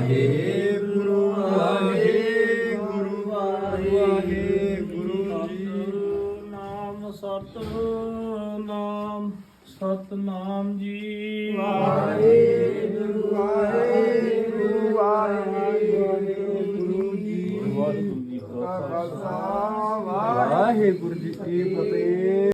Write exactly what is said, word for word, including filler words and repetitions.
ਵਾਹਿਗੁਰੂ ਵਾਹਿਗੁਰੂ ਵਾਹਿਗੁਰੂ ਜੀ। ਨਾਮ ਸਤਿਨਾਮ ਸਤਿਨਾਮ ਜੀ। ਵਾਹਿਗੁਰੂ ਵਾਹਿਗੁਰੂ ਵਾਹਿਗੁਰੂ ਜੀ। ਵਾਹਿਗੁਰੂ ਜੀ ਕਾ ਖਾਲਸਾ ਵਾਹਿਗੁਰੂ ਜੀ ਕੀ ਫਤਿਹ।